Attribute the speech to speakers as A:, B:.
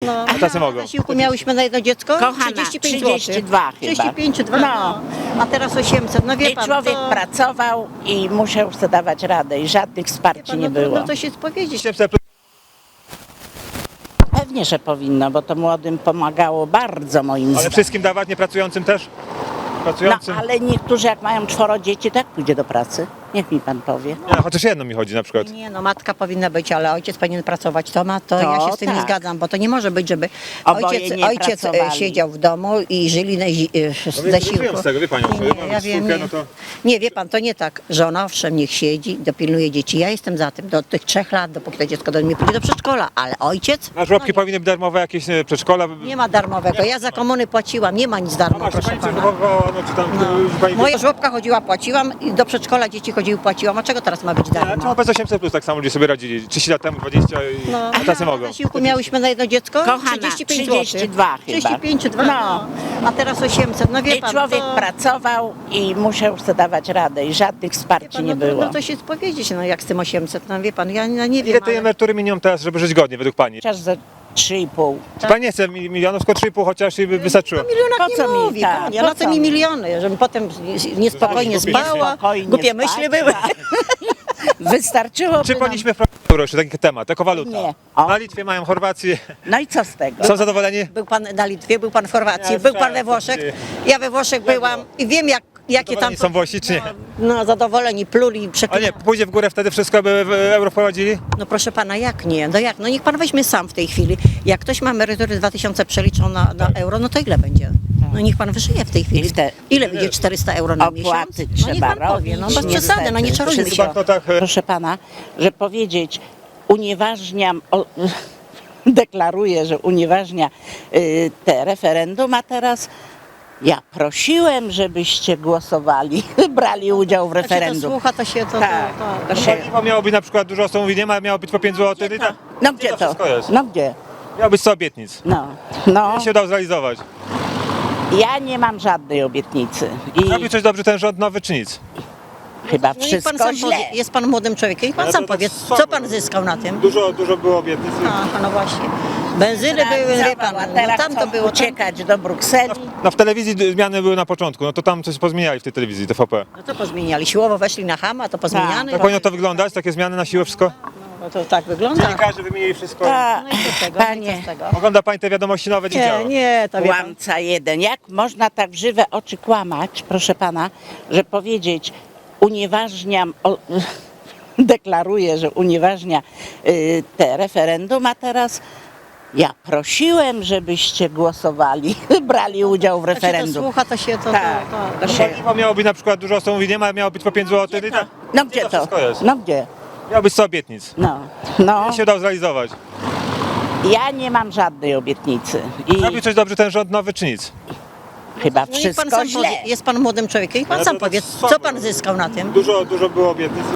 A: No.
B: A tacy mogą.
A: Na zasiłku miałyśmy na jedno dziecko
C: Kochana,
A: 35
C: 32
A: zł.
C: chyba.
A: 35, 2,
C: No.
A: a teraz 800. No wie
C: I
A: pan,
C: człowiek
A: to,
C: pracował i musiał sobie dawać radę i żadnych
A: wie
C: wsparci
A: pan,
C: nie
A: no, to,
C: było.
A: no to się powiedzieć.
B: 800 plus.
C: Pewnie, że powinno, bo to młodym pomagało bardzo moim
B: Ale
C: zdaniem.
B: wszystkim dawać, niepracującym też?
C: No
B: Pracującym?
C: ale niektórzy jak mają 4 dzieci, tak pójdzie do pracy. Niech mi pan powie.
B: Nie, chociaż jedno mi chodzi na przykład.
A: Nie, no matka powinna być, ale ojciec powinien pracować. To ja się z tym nie
C: tak.
A: zgadzam, bo to nie może być, żeby
C: Oboje nie
A: ojciec
C: pracowali.
A: siedział w domu i żyli z
B: No
A: zasiłku.
B: żyją z tego, wie panią.
A: Nie, ja wiem, nie.
B: No to...
A: Nie, wie pan, to nie tak. Żona owszem, niech siedzi, dopilnuje dzieci. Ja jestem za tym, do tych 3 lat, dopóki to dziecko do mnie pójdzie do przedszkola, ale ojciec?
B: Na żłobki
A: No
B: powinny być darmowe jakieś przedszkola.
A: nie ma darmowego. Ja za komuny płaciłam, nie ma nic
B: No
A: darmo,
B: właśnie,
A: proszę
B: pani
A: pana.
B: przedszkola, no czy tam... Pani...
A: Moja żłobka chodziła, płaciłam, i do przedszkola dzieci chodziły, płaciłam. A czego teraz ma być
B: A czemu
A: darmo?
B: bez 800 plus tak samo ludzie sobie radzili? 30 lat temu, 20 i a tacy
A: Na
B: mogą.
A: zasiłku miałyśmy na jedno dziecko
C: Kochana,
A: 35
C: 32
A: zł.
C: chyba.
A: 35, 2,
C: No.
A: a teraz 800. No wie
C: I
A: pan,
C: człowiek
A: to,
C: pracował i musiał sobie dawać radę i żadnych
A: wie
C: wsparci
A: pan,
C: nie
A: no, trudno
C: było.
A: to się powiedzieć, no jak z tym 800, no wie pan, ja nie wiem,
B: Ile tej
A: ale...
B: emerytury minimum teraz, żeby żyć godnie według pani?
C: Chociaż za 3,5.
B: Czy pani nie chce milionów, tylko 3,5 chociaż i by wystarczyło?
A: O milionach
C: Po
A: nie
C: co mi?
A: mówi,
C: Tak,
A: panie,
C: po
A: na co
C: co
A: mi
C: mi?
A: miliony, żebym potem niespokojnie
B: Spokojnie
A: spała,
C: spokojnie
A: głupie
C: spać,
A: myśli były.
C: tak. Wystarczyło.
B: Czy powinniśmy wprowadzić taki temat, jako waluta?
C: Nie. O.
B: Na Litwie mają Chorwację.
C: No i co z tego?
B: Są zadowoleni?
A: Był pan na Litwie, był pan w Chorwacji,
B: Ja
A: był pan we
B: słyszałem,
A: Włoszech,
B: że-
A: ja we Włoszech byłam i wiem jakie tam...
B: Zadowoleni są Włosi, czy nie?
A: No zadowoleni, pluli,
B: A nie,
A: przeklinali.
B: pójdzie w górę wtedy wszystko, by w euro wprowadzili?
A: No proszę pana, jak nie? No jak? No niech pan weźmie sam w tej chwili. Jak ktoś ma emerytury 2000 przeliczą na euro, no to ile będzie? No niech pan wyżyje w tej chwili.
C: I te-
A: Ile będzie 400 euro na miesiąc?
C: Opłaty
A: No niech
C: trzeba
A: pan powie,
C: robić.
A: no bez
C: niestety.
A: przesady, no nie czarujmy
B: W
A: się.
B: banknotach
C: Proszę pana, że powiedzieć, unieważniam, deklaruję, że unieważnia te referendum, a teraz ja prosiłem, żebyście głosowali, brali udział w
A: Jak się to
C: referendum.
A: słucha, to się to...
C: Tak,
A: to,
C: to
A: to,
C: się-
B: Paliwo miało być na przykład, dużo osób mówi, nie ma, miało być po 5 zł. I tak.
C: No gdzie to?
B: wszystko jest.
C: No gdzie?
B: Miało być 100 obietnic.
C: No, no,
B: Nie się udało zrealizować.
C: ja nie mam żadnej obietnicy i
B: Robi coś dobrze ten rząd nowy, czy nic?
C: chyba
A: no niech pan
C: wszystko
A: sam
C: źle.
A: powie, jest pan młodym człowiekiem, niech pan
B: Ale
A: sam
B: to tak
A: powie,
B: słabo.
A: co pan zyskał na tym?
B: Dużo było obietnic.
A: Aha, no właśnie. Benzyny były, wie pan,
C: A
A: no
C: teraz
A: tam to
C: chcą
A: było... Tam,
C: uciekać do Brukseli.
B: No w telewizji zmiany były na początku, no to tam coś pozmieniali w tej telewizji, TVP.
A: no to pozmieniali. Siłowo weszli na Hama, to pozmieniane.
B: Tak powinno to wyglądać, takie zmiany na siłę wszystko?
A: No to tak wygląda.
B: Dziennikarze wymienili wszystko.
C: A,
A: No i co z tego? No i
C: panie,
A: co z tego?
B: Ogląda pani te wiadomości nowe, nie działa.
A: Nie, to wie pan.
C: kłamca jeden. Jak można tak w żywe oczy kłamać, proszę pana, że powiedzieć, unieważniam, deklaruję, że unieważnia te referendum, a teraz ja prosiłem, żebyście głosowali, brali udział w
A: Jak się to
C: referendum.
A: słucha, to się to...
C: Tak,
A: to,
C: to
A: to,
C: się-
B: Paliwo miało być na przykład, dużo osób mówi, nie ma, miało być po 5 zł. I tak.
C: No gdzie to?
B: wszystko jest?
C: No gdzie?
B: Miało być 100 obietnic.
C: No, no,
B: Nie się udało zrealizować.
C: ja nie mam żadnej obietnicy i
B: Robi coś dobrze ten rząd nowy, czy nic?
C: chyba
A: no niech pan
C: wszystko
A: sam
C: źle.
A: powie, jest pan młodym człowiekiem, niech pan
B: Ale
A: sam
B: to tak
A: powie,
B: słabo.
A: co pan zyskał na tym?
B: Dużo było obietnic.